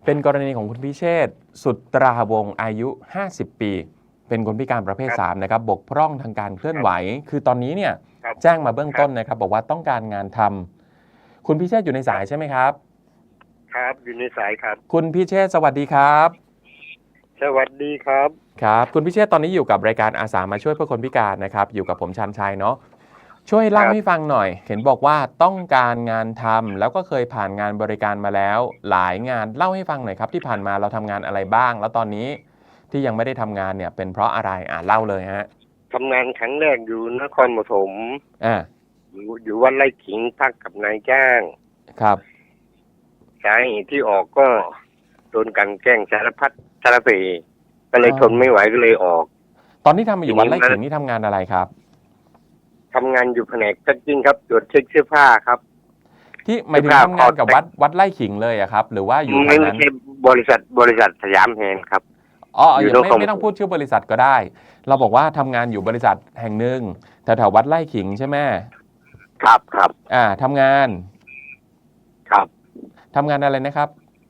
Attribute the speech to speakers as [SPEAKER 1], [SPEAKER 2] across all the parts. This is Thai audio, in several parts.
[SPEAKER 1] เป็นกรณีของคุณพิเชษฐ์สุตราวงศ์อายุ 50 ปี เป็นคนพิการประเภท 3 นะครับ บกพร่องทางการเคลื่อนไหว คือตอนนี้เนี่ยแจ้งมาเบื้องต้นนะครับ บอกว่าต้องการงานทำคุณพิเชษฐ์อยู่ในสายใช่ไหมครับ
[SPEAKER 2] ครับอยู่ในสายครับ
[SPEAKER 1] คุณพิเชษฐ์สวัสดีครับ
[SPEAKER 2] สวัสดีครับ
[SPEAKER 1] ครับ คุณพิเชษฐ์ตอนนี้อยู่กับรายการอาสามาช่วยเพื่อคนพิการนะครับ อยู่กับผมชันชัยเนาะ ช่วยเล่าให้ฟังหน่อย เห็นบอกว่าต้องการงานทำแล้วก็เคยผ่านงานบริการมาแล้ว หลายงานเล่าให้ฟังหน่อยครับที่ผ่านมาเราทำงานอะไรบ้าง แล้วตอนนี้ที่ยังไม่ได้ทำงานเนี่ยเป็นเพราะอะไรเล่าเลยฮะ
[SPEAKER 2] ทำงานครั้งแรกอยู่นครปฐมอยู่วัดไร่ขิงพักกับนายจ้าง
[SPEAKER 1] ครับ
[SPEAKER 2] สาเหตุที่ออกก็โดนกันแกล้งสารพัดสารเพก็เลยทนไม่ไหวก็เลยออก
[SPEAKER 1] ตอนที่ทำอยู่วัดไร่ขิงนี่ทำงานอะไรครับ
[SPEAKER 2] ทำงานอยู่แผนกแพ็คกิ้งครับตรวจเช็คเสื้อผ้าครับ
[SPEAKER 1] ที่หมายถึงทำงานกับวัดไร่ขิงเลยอะครับหรือว่าอยู่
[SPEAKER 2] ไม่ใช่บริษัทสยามแฮนด์ครับ
[SPEAKER 1] ยังไม่ต้องพูดชื่อบริษัทก็ได้ เราบอกว่าทำงานอยู่บริษัทแห่งหนึ่งแถววัดไร่ขิงใช่ไหม
[SPEAKER 2] ครับ
[SPEAKER 1] ทำงาน
[SPEAKER 2] ครับ
[SPEAKER 1] ทำงานอะไรนะครับ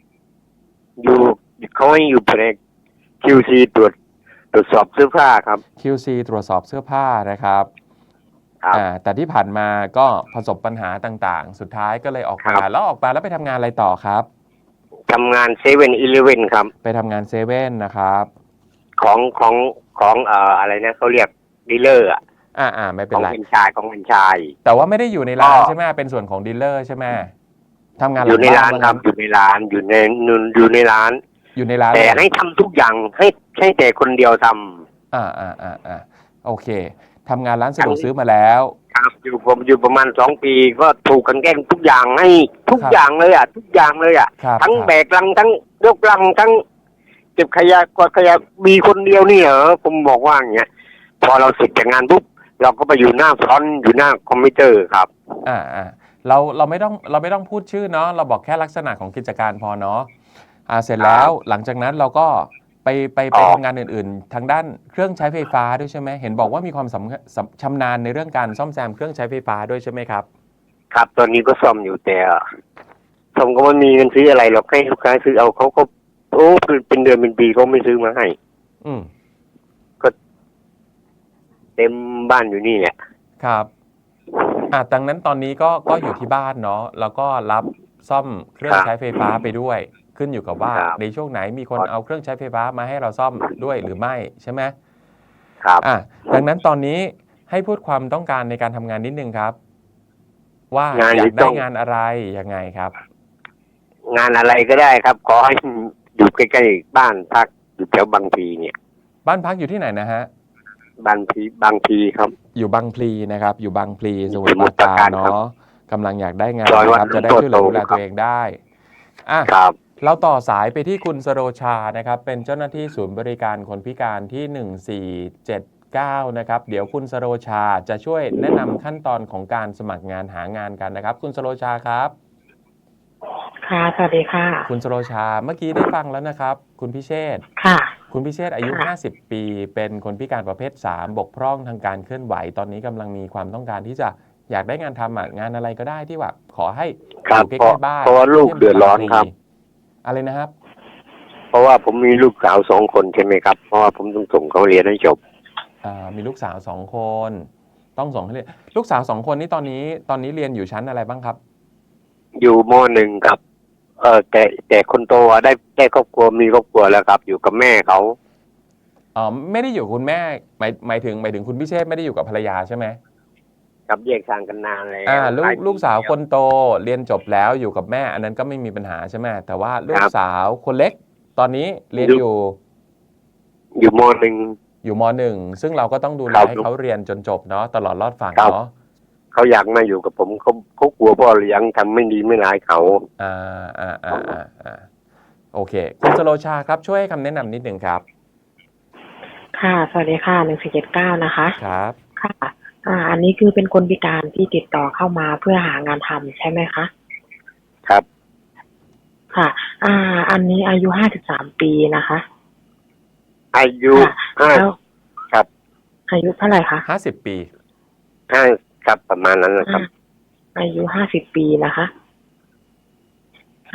[SPEAKER 2] เขาให้อยู่แผนก QC ตรวจสอบเสื้อผ้าครับ
[SPEAKER 1] QC ตรวจสอบเสื้อผ้านะครับแต่ที่ผ่านมาก็ประสบปัญหาต่างๆสุดท้ายก็เลยออกมาแล้วไปทำงานอะไรต่อครับ
[SPEAKER 2] ทำงาน7-Elevenครับ
[SPEAKER 1] ไปทำงานเซเว่นนะครับ
[SPEAKER 2] ของอะไรนะเขาเรียกดีลเลอร์
[SPEAKER 1] ไม่เป็นไร
[SPEAKER 2] ของเป็นชาย
[SPEAKER 1] แต่ว่าไม่ได้อยู่ในร้านใช่ไหมเป็นส่วนของดีลเลอร์ใช่ไหมทำงาน
[SPEAKER 2] อยู่ในร้านครับอยู่ในร้านแต่ให้ทำทุกอย่างให้แต่คนเดียวท
[SPEAKER 1] ำโอเคทำงานร้านสะดวกซื้อมาแล้ว
[SPEAKER 2] ครับผมอยู่ประมาณ2 ปีก็ถูกกันแกล้งทุกอย่างให้ทุกอย่างเลยทุกอย่างเลยทั้งแบกลังทั้งยกลังทั้งเก็บขยะกวาดขยะมีคนเดียวนี่เหรอผมบอกว่าอย่างเงี้ยพอเราเสร็จจากงานปุ๊บเราก็ไปอยู่หน้าฟรอนต์อยู่หน้าคอมพิวเตอร์ครับ
[SPEAKER 1] เราไม่ต้องพูดชื่อเนาะเราบอกแค่ลักษณะของกิจการพอเนาะเสร็จแล้วหลังจากนั้นเราก็ไปทำงานอื่นๆทางด้านเครื่องใช้ไฟฟ้าด้วยใช่ไหมเห็นบอกว่ามีความชำนาญในเรื่องการซ่อมแซมเครื่องใช้ไฟฟ้าด้วยใช่ไหมครับ
[SPEAKER 2] ครับตอนนี้ก็ซ่อมอยู่แต่ซ่อมก็ไม่มีเงินซื้ออะไรหรอกให้ลูกค้าซื้อเอาเขาก็เป็นเดือนเป็นปีเขาไม่ซื้อมาให้ก็เต็มบ้านอยู่นี่แหละ
[SPEAKER 1] ครับดังนั้นตอนนี้ก็อยู่ที่บ้านเนาะแล้วก็รับซ่อมเครื่องใช้ไฟฟ้าไปด้วยขึ้นอยู่กับว่าในช่วงไหนมีคนเอาเครื่องใช้ไฟฟ้ามาให้เราซ่อมด้วยหรือไม่ใช่ไหม
[SPEAKER 2] ครับ
[SPEAKER 1] ดังนั้นตอนนี้ให้พูดความต้องการในการทำงานนิดนึงครับว่าอยากได้งานอะไรยังไงครับ
[SPEAKER 2] งานอะไรก็ได้ครับขอให้อยู่ใกล้ๆบ้านพักอยู่แถวบางพลีเนี่ย
[SPEAKER 1] บ้านพักอยู่ที่ไหนนะฮะ
[SPEAKER 2] บางพลีครับ
[SPEAKER 1] อยู่บางพลีนะครับอยู่บางพลีสมุทรปราการเนาะกำลังอยากได้งานนะครับจะได้ช่วยเหลือดูแลตัวเองได้
[SPEAKER 2] ครับ
[SPEAKER 1] เราต่อสายไปที่คุณสโรชานะครับเป็นเจ้าหน้าที่ศูนย์บริการคนพิการที่1479นะครับเดี๋ยวคุณสโรชาจะช่วยแนะนำขั้นตอนของการสมัครงานหางานกันนะครับคุณสโรชาครับ
[SPEAKER 3] ค่ะสวัสดีค่ะ
[SPEAKER 1] คุณสโรชาเมื่อกี้ได้ฟังแล้วนะครับคุณพิเชษฐ์
[SPEAKER 3] ค่ะ
[SPEAKER 1] คุณพิเชษฐ์อายุ50 ปีเป็นคนพิการประเภท3บกพร่องทางการเคลื่อนไหวตอนนี้กำลังมีความต้องการที่จะอยากได้งานทำงานอะไรก็ได้ที่ว่าขอให้อยู่ใกล้ๆบ้าน
[SPEAKER 2] เพราะว่าลูกเดือดร้อนครับ
[SPEAKER 1] อะไรนะครับ
[SPEAKER 2] เพราะว่าผมมีลูกสาว2 คนใช่ไหมครับเพราะว่าผมต้องส่งเขาเรียนให้จบ
[SPEAKER 1] มีลูกสาว2 คนต้องส่งให้เรียนลูกสาว2 คนนี้ตอนนี้เรียนอยู่ชั้นอะไรบ้างครับ
[SPEAKER 2] อยู่ม.1 ครับแต่คนโตได้ครอบครัวมีครอบครัวแล้วครับอยู่กับแม่เขา
[SPEAKER 1] ไม่ได้อยู่คุณแม่หมายถึงคุณพิเชษไม่ได้อยู่กับภรรยาใช่ไหม
[SPEAKER 2] ครับแยกทางกันนานแล้ว
[SPEAKER 1] ลูกสาวคนโตเรียนจบแล้วอยู่กับแม่อันนั้นก็ไม่มีปัญหาใช่ไหมแต่ว่าลูกสาวคนเล็กตอนนี้เรียน
[SPEAKER 2] อยู่ม.1
[SPEAKER 1] อยู่ม.1ซึ่งเราก็ต้องดูแลให้เขาเรียนจนจบเนาะตลอดรอดฝั่งเนาะ
[SPEAKER 2] เขาอยากมาอยู่กับผมเขากลัวพ่อเลี้ยงทำไม่ดีไม่ร้ายเขา
[SPEAKER 1] โอเคคุณสโรชาครับช่วยให้คำแนะนำนิดหนึ่งครับ
[SPEAKER 3] ค่ะสวัสดีค่ะ1479นะคะ
[SPEAKER 1] ครับ
[SPEAKER 3] ค่ะอันนี้คือเป็นคนพิการที่ติดต่อเข้ามาเพื่อหางานทำใช่ไหมคะ
[SPEAKER 2] ครับ
[SPEAKER 3] ค่ะอันนี้อายุ53 ปีนะคะ
[SPEAKER 2] อายุ
[SPEAKER 3] ครับอายุเท่าไหร่คะ
[SPEAKER 1] 50 ปี
[SPEAKER 2] ครับประมาณนั้นนะครับ
[SPEAKER 3] อายุ50 ปีนะคะค่ะ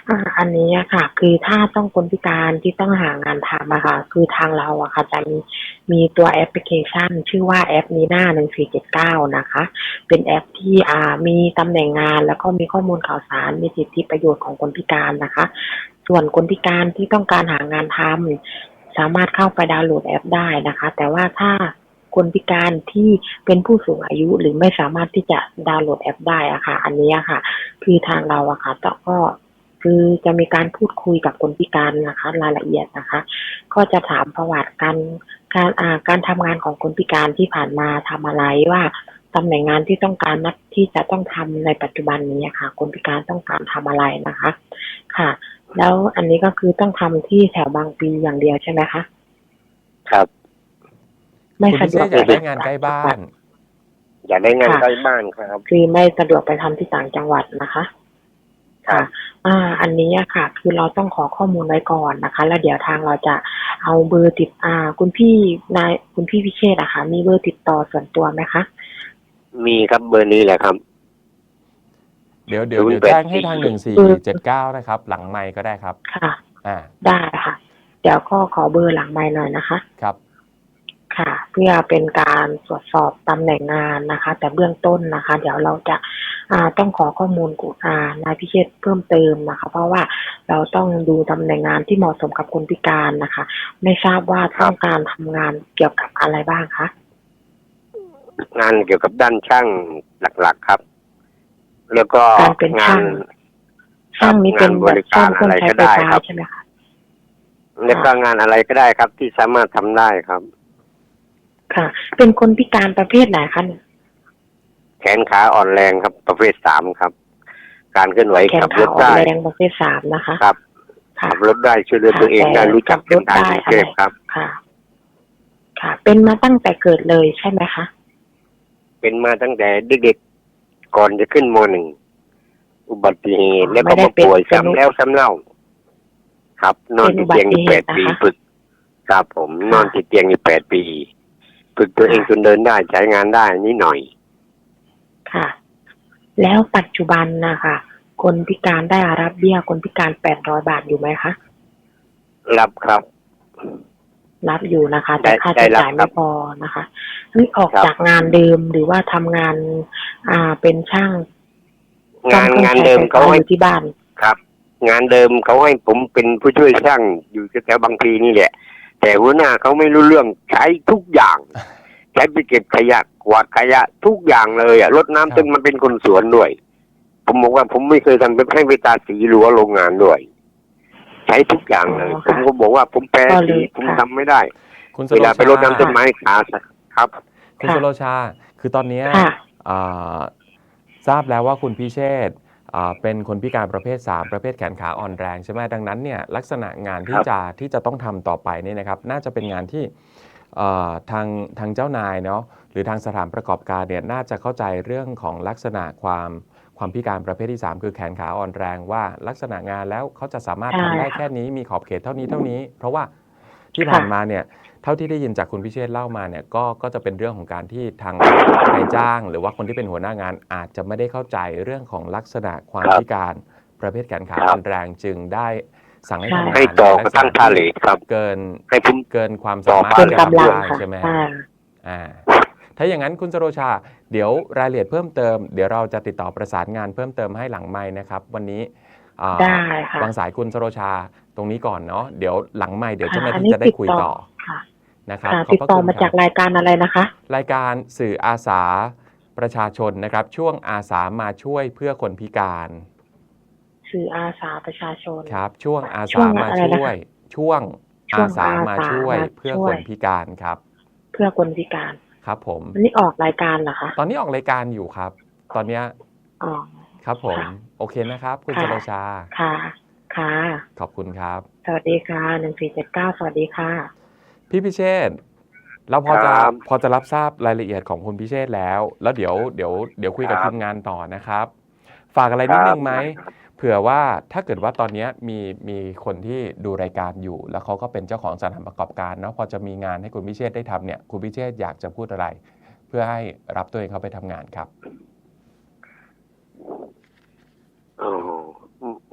[SPEAKER 3] อันนี้อะค่ะ คือถ้าต้องคนพิการที่ต้องหางานทำอะค่ะ คือทางเราอะค่ะจะมีตัวแอปพลิเคชันชื่อว่าแอปNina 1479นะคะ เป็นแอปที่มีตำแหน่งงานแล้วก็มีข้อมูลข่าวสารมีสิทธิประโยชน์ของคนพิการนะคะ ส่วนคนพิการที่ต้องการหางานทำสามารถเข้าไปดาวน์โหลดแอปได้นะคะ แต่ว่าถ้าคนพิการที่เป็นผู้สูงอายุหรือไม่สามารถที่จะดาวน์โหลดแอปได้อะค่ะ อันนี้อะค่ะ คือทางเราอะค่ะก็คือจะมีการพูดคุยกับคนพิการนะคะรายละเอียดนะคะ ก็จะถามประวัติการทำงานของคนพิการที่ผ่านมาทำอะไรว่าตำแหน่งงานที่ต้องการนักที่จะต้องทำในปัจจุบันนี้ค่ะ คนพิการต้องการทำอะไรนะคะค่ะ แล้วอันนี้ก็คือต้องทำที่แถวบางพลีอย่างเดียวใช่ไหมคะ
[SPEAKER 2] ครับ
[SPEAKER 3] ไม่
[SPEAKER 1] คุณ
[SPEAKER 3] สะ
[SPEAKER 1] พิ
[SPEAKER 3] ด
[SPEAKER 1] เช
[SPEAKER 3] วก
[SPEAKER 1] ษอยากได้งานใกล้บ้าน
[SPEAKER 2] อยากได้งานใกล้บ้านครับ
[SPEAKER 3] คือไม่สะดวกไปทำที่ต่างจังหวัดนะคะ
[SPEAKER 2] ครับ
[SPEAKER 3] อันนี้อะค่ะ คือเราต้องขอข้อมูลไว้ก่อนนะคะ แล้วเดี๋ยวทางเราจะเอาเบอร์คุณพี่พิเชษฐ์อะค่ะ มีเบอร์ติดต่อส่วนตัวไหมคะ
[SPEAKER 2] มีครับเบอร์นี้แหละครับ
[SPEAKER 1] เดี๋ยวแจ้งให้ทาง1479นะครับ หลังไมค์ก็ได้ครับ
[SPEAKER 3] ค่ะ
[SPEAKER 1] อ่า
[SPEAKER 3] ได้ค่ะ เดี๋ยวก็ขอเบอร์หลังไมค์หน่อยนะคะ
[SPEAKER 1] ครับ
[SPEAKER 3] ค่ะ เพื่อเป็นการตรวจสอบตำแหน่งงานนะคะ แต่เบื้องต้นนะคะ เดี๋ยวเราจะต้องขอข้อมูลนายพิเชษฐ์เพิ่มเติมนะคะ เพราะว่าเราต้องดูตำแหน่งงานที่เหมาะสมกับคนพิการนะคะ ไม่ทราบว่าต้องการทำงานเกี่ยวกับอะไรบ้างคะ
[SPEAKER 2] งานเกี่ยวกับด้านช่างหลักๆครับ แล้วก็
[SPEAKER 3] การเป็น
[SPEAKER 2] งา
[SPEAKER 3] ช่าน งนี้เป็น
[SPEAKER 2] บ
[SPEAKER 3] แบบ
[SPEAKER 2] ริ
[SPEAKER 3] ซ่
[SPEAKER 2] กา
[SPEAKER 3] อม
[SPEAKER 2] ร
[SPEAKER 3] เครื่
[SPEAKER 2] อะ
[SPEAKER 3] อง
[SPEAKER 2] ไร
[SPEAKER 3] ใช้
[SPEAKER 2] ก็
[SPEAKER 3] ไฟ
[SPEAKER 2] ได้
[SPEAKER 3] ฟ้า
[SPEAKER 2] ครับ
[SPEAKER 3] ใช่ไหมคะ
[SPEAKER 2] แล้วก็งานอะไรก็ได้ครับ ที่สามารถทำได้ครับ
[SPEAKER 3] ค่ะ เป็นคนพิการประเภทไหนคะเนี่ย
[SPEAKER 2] แขนขาอ่อนแรงครับ ประเภท3ครับ การเคลื่อนไหว
[SPEAKER 3] แขน
[SPEAKER 2] ขับร
[SPEAKER 3] ขา
[SPEAKER 2] ถ
[SPEAKER 3] อ่อน
[SPEAKER 2] ได้
[SPEAKER 3] แรงประเภท3นะคะ
[SPEAKER 2] ครับ
[SPEAKER 3] ค่ะ
[SPEAKER 2] ขับรถได้ช่วยเหลือตัวเองได้รู้จักเส้นทางกรุงเทพครับ
[SPEAKER 3] ค่ะ ค่ะ เป็นมาตั้งแต่เกิดเลยใช่ไหมคะ
[SPEAKER 2] เป็นมาตั้งแต่เด็กๆก่อนจะขึ้นม .1 อุบัติเหตุแล้วก็มาป่วยซ้ำแล้วซ้ำเล่า ครับ นอนติดเตียงอยู่8 ปีฝึกครับผมนอนติดเตียงอยู่8 ปีฝึกตัวเองจนเดินได้ใช้งานได้นิดหน่อย
[SPEAKER 3] ค่ะ แล้วปัจจุบันนะคะคนพิการได้รับเบี้ยคนพิการ800 บาทอยู่ไหมคะ
[SPEAKER 2] รับครับ
[SPEAKER 3] รับอยู่นะคะ แต่ค่าใช้จ่ายไม่พอนะคะนี่ออกจากงานเดิมหรือว่าทำงานเป็นช่าง
[SPEAKER 2] งานเดิมเขาให้
[SPEAKER 3] อยู่ที่บ้าน
[SPEAKER 2] ครับ งานเดิมเขาให้ผมเป็นผู้ช่วยช่างอยู่แถวบางพลีนี่แหละ แต่หัวหน้าเขาไม่รู้เรื่องใช้ทุกอย่าง ใช้ไปเก็บขยะกวาดขยะทุกอย่างเลยรดน้ำจนมันเป็นคนสวนด้วย ผมบอกว่าผมไม่เคยทำให้ไปตาสีรั้วโรงงานด้วย ใช้ทุกอย่างเลย ผมก็บอกว่าผมแปรสีผมทำไม่ได้
[SPEAKER 1] คุณส
[SPEAKER 2] เว
[SPEAKER 1] โร
[SPEAKER 2] ลาไปรดน้ำต้น
[SPEAKER 1] ชา
[SPEAKER 2] ไม้ขาครับ
[SPEAKER 1] คุณสโรชา คือตอนเนี้ย
[SPEAKER 3] ค่ะ
[SPEAKER 1] ทราบแล้วว่าคุณพิเชษฐ์เป็นคนพิการประเภท3ประเภทแขนขาอ่อนแรงใช่ไหมดังนั้นเนี่ยลักษณะงานที่จะต้องทำต่อไปเนี่ยนะครับ น่าจะเป็นงานที่ทางเจ้านายเนาะหรือทางสถานประกอบการเนี่ยน่าจะเข้าใจเรื่องของลักษณะความพิการประเภทที่3คือแขนขาอ่อนแรงว่าลักษณะงานแล้วเขาจะสามารถทำได้แค่นี้มีขอบเขตเท่านี้ เพราะว่าที่ผ่านมาเนี่ยเท่าที่ได้ยินจากคุณพิเชษฐ์เล่ามาเนี่ยก็จะเป็นเรื่องของการที่ทางนายจ้าง หรือว่าคนที่เป็นหัวหน้างานอาจจะไม่ได้เข้าใจเรื่องของลักษณะความพิการประเภทแขนขาอ่อนแรงจึงได้สั่งให้ทำงาน
[SPEAKER 2] ให้ต่อกระทั่งท่าเหล็กครับ
[SPEAKER 1] เกิน
[SPEAKER 2] ให้ผม
[SPEAKER 1] เกินความสามารถ
[SPEAKER 3] เกิน
[SPEAKER 1] ที่จะ
[SPEAKER 3] กำลัง
[SPEAKER 1] ทำได้
[SPEAKER 3] ค่ะ
[SPEAKER 1] ใช่ไหม
[SPEAKER 3] ค่ะ
[SPEAKER 1] ถ้าอย่างนั้นคุณสโรชา เดี๋ยวรายละเอียดเพิ่มเติมเดี๋ยวเราจะติดต่อประสานงานเพิ่มเติมให้หลังไมค์นะครับ วันนี้
[SPEAKER 3] ได้ค่ะ
[SPEAKER 1] วางสายคุณสโรชาตรงนี้ก่อนเนาะเดี๋ยวหลังไมค์เดี๋ยวเจ้าหน้า
[SPEAKER 3] อัน
[SPEAKER 1] ที่
[SPEAKER 3] นี้
[SPEAKER 1] จะได้คุยต่อ
[SPEAKER 3] ค่ะ
[SPEAKER 1] นะครับ
[SPEAKER 3] ค่ะ
[SPEAKER 1] ขอบ
[SPEAKER 3] ติด
[SPEAKER 1] พระ
[SPEAKER 3] ต่อ
[SPEAKER 1] คุณ
[SPEAKER 3] มา
[SPEAKER 1] ค
[SPEAKER 3] จา
[SPEAKER 1] รั
[SPEAKER 3] ก
[SPEAKER 1] บ
[SPEAKER 3] รายการอะไรนะคะ
[SPEAKER 1] รายการสื่ออาสาประชาชนนะครับ ช่วงอาสามาช่วยเพื่อคนพิการ
[SPEAKER 3] สื่ออาสาประชาชน
[SPEAKER 1] ครับ ช่วงอา
[SPEAKER 3] ช่
[SPEAKER 1] สาว
[SPEAKER 3] ง
[SPEAKER 1] มา
[SPEAKER 3] อะไร
[SPEAKER 1] ช่
[SPEAKER 3] นะคะ
[SPEAKER 1] วย ช่วง
[SPEAKER 3] ช่ว
[SPEAKER 1] อาง สามา
[SPEAKER 3] อาสา
[SPEAKER 1] ช่วย
[SPEAKER 3] มา
[SPEAKER 1] เพื่อ
[SPEAKER 3] ช่
[SPEAKER 1] ค
[SPEAKER 3] วย
[SPEAKER 1] นพิการครับ
[SPEAKER 3] เพื่อคนพิการ
[SPEAKER 1] ครับผม
[SPEAKER 3] อันนี้ออกรายการเหรอคะ
[SPEAKER 1] ตอนนี้ออกรายการอยู่ครับ ตอนเนี้ย
[SPEAKER 3] อ๋อ
[SPEAKER 1] ครับผม
[SPEAKER 3] ค่ะ
[SPEAKER 1] โอเคนะครับ คุณ
[SPEAKER 3] ค่ะ
[SPEAKER 1] สโรชา
[SPEAKER 3] ค่ะ ค่ะ
[SPEAKER 1] ขอบคุณครับ
[SPEAKER 3] สวัสดีค่ะ1479สวัสดีค่ะ
[SPEAKER 1] พี่พิเชษฐ์เราพอจะ
[SPEAKER 2] ครับ
[SPEAKER 1] รับทราบรายละเอียดของคุณพิเชษฐ์แล้ว แล้วเดี๋ยวคุยกับ
[SPEAKER 2] ครับ
[SPEAKER 1] ทีมงานต่อนะครับ ฝากอะไรนิดนึงไหม เผื่อว่าถ้าเกิดว่าตอนเนี้ยมีคนที่ดูรายการอยู่ แล้วเขาก็เป็นเจ้าของสถานประกอบการเนาะพอจะมีงานให้คุณพิเชษฐ์ได้ทำเนี่ยคุณพิเชษฐ์อยากจะพูดอะไร เพื่อให้รับตัวเองเข้าไปทำงานครับ
[SPEAKER 2] อ๋อไม่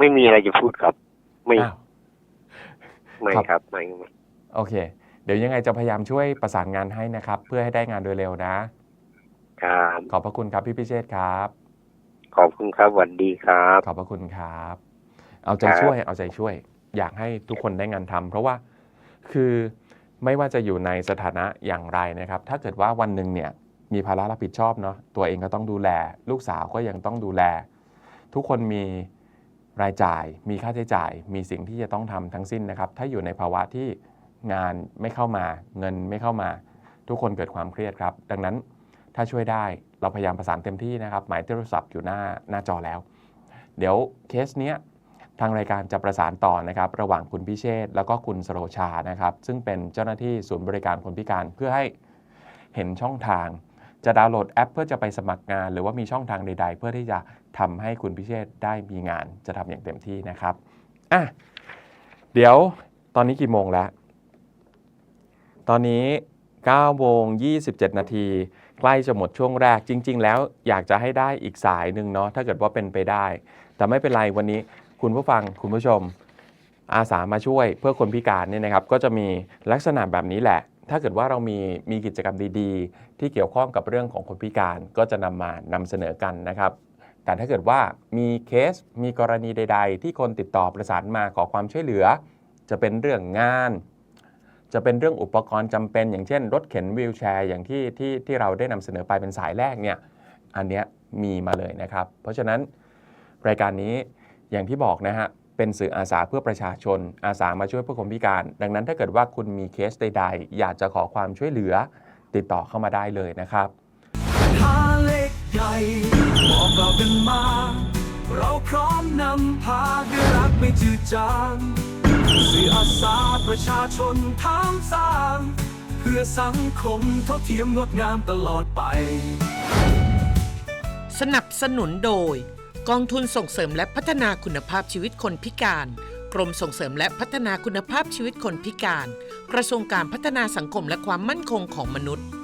[SPEAKER 2] ไม่มีอะไรจะพูดครับ ไม่
[SPEAKER 1] อ้าว
[SPEAKER 2] ไม่
[SPEAKER 1] ครับ
[SPEAKER 2] ครับไม่
[SPEAKER 1] โอเค เดี๋ยวยังไงจะพยายามช่วยประสานงานให้นะครับ เพื่อให้ได้งานโดยเร็วนะ
[SPEAKER 2] ครับ
[SPEAKER 1] ขอบพระคุณครับพี่พิเชษฐ์ครับ
[SPEAKER 2] ขอบคุณครับสวัสดีครับ
[SPEAKER 1] ขอบพระคุณครับ เอาใจ
[SPEAKER 2] ครับ
[SPEAKER 1] ช่วย เอาใจช่วย อยากให้ทุกคนได้งานทำเพราะว่าคือไม่ว่าจะอยู่ในสถานะอย่างไรนะครับ ถ้าเกิดว่าวันหนึ่งเนี่ยมีภาระรับผิดชอบเนาะตัวเองก็ต้องดูแล ลูกสาวก็ยังต้องดูแล ทุกคนมีรายจ่าย มีค่าใช้จ่าย มีสิ่งที่จะต้องทำทั้งสิ้นนะครับ ถ้าอยู่ในภาวะที่งานไม่เข้ามา เงินไม่เข้ามา ทุกคนเกิดความเครียดครับ ดังนั้นถ้าช่วยได้เราพยายามประสานเต็มที่นะครับหมายโทรศัพท์อยู่หน้าจอแล้ว เดี๋ยวเคสเนี้ยทางรายการจะประสานต่อนะครับระหว่างคุณพิเชษฐ์แล้วก็คุณสโรชานะครับซึ่งเป็นเจ้าหน้าที่ศูนย์บริการคนพิการเพื่อให้เห็นช่องทาง จะดาวน์โหลดแอปเพื่อจะไปสมัครงาน หรือว่ามีช่องทางใดๆ เพื่อที่จะทำให้คุณพิเชษฐ์ได้มีงานจะทำอย่างเต็มที่นะครับเดี๋ยวตอนนี้กี่โมงแล้วตอนนี้9 โมง 27 นาทีใกล้จะหมดช่วงแรกจริงๆแล้วอยากจะให้ได้อีกสายหนึ่งเนาะถ้าเกิดว่าเป็นไปได้แต่ไม่เป็นไรวันนี้คุณผู้ฟังคุณผู้ชมอาสามาช่วยเพื่อคนพิการเนี่ยนะครับก็จะมีลักษณะแบบนี้แหละถ้าเกิดว่าเรามีกิจกรรมดีๆที่เกี่ยวข้องกับเรื่องของคนพิการก็จะนำเสนอกันนะครับแต่ถ้าเกิดว่ามีเคสมีกรณีใดๆที่คนติดต่อประสานมาขอความช่วยเหลือจะเป็นเรื่องงานจะเป็นเรื่องอุปกรณ์จำเป็นอย่างเช่นรถเข็นวีลแชร์อย่างที่เราได้นำเสนอไปเป็นสายแรกเนี่ยอันเนี้ยมีมาเลยนะครับเพราะฉะนั้นรายการนี้อย่างที่บอกนะฮะเป็นสื่ออาสาเพื่อประชาชนอาสามาช่วยผู้คนพิการดังนั้นถ้าเกิดว่าคุณมีเคสใดๆอยากจะขอความช่วยเหลือติดต่อเข้ามาได้เลยนะครับ
[SPEAKER 4] หาเล็กใหญ่บอกเรากันมาเราพร้อมนำพาด้วยรักไม่จืดจางสื่ออาสาประชาชนทั้งสร้างเพื่อสังคมเท่าเทียมงดงามตลอดไป
[SPEAKER 5] สนับสนุนโดยกองทุนส่งเสริมและพัฒนาคุณภาพชีวิตคนพิการกรมส่งเสริมและพัฒนาคุณภาพชีวิตคนพิการกระทรวงการพัฒนาสังคมและความมั่นคงของมนุษย์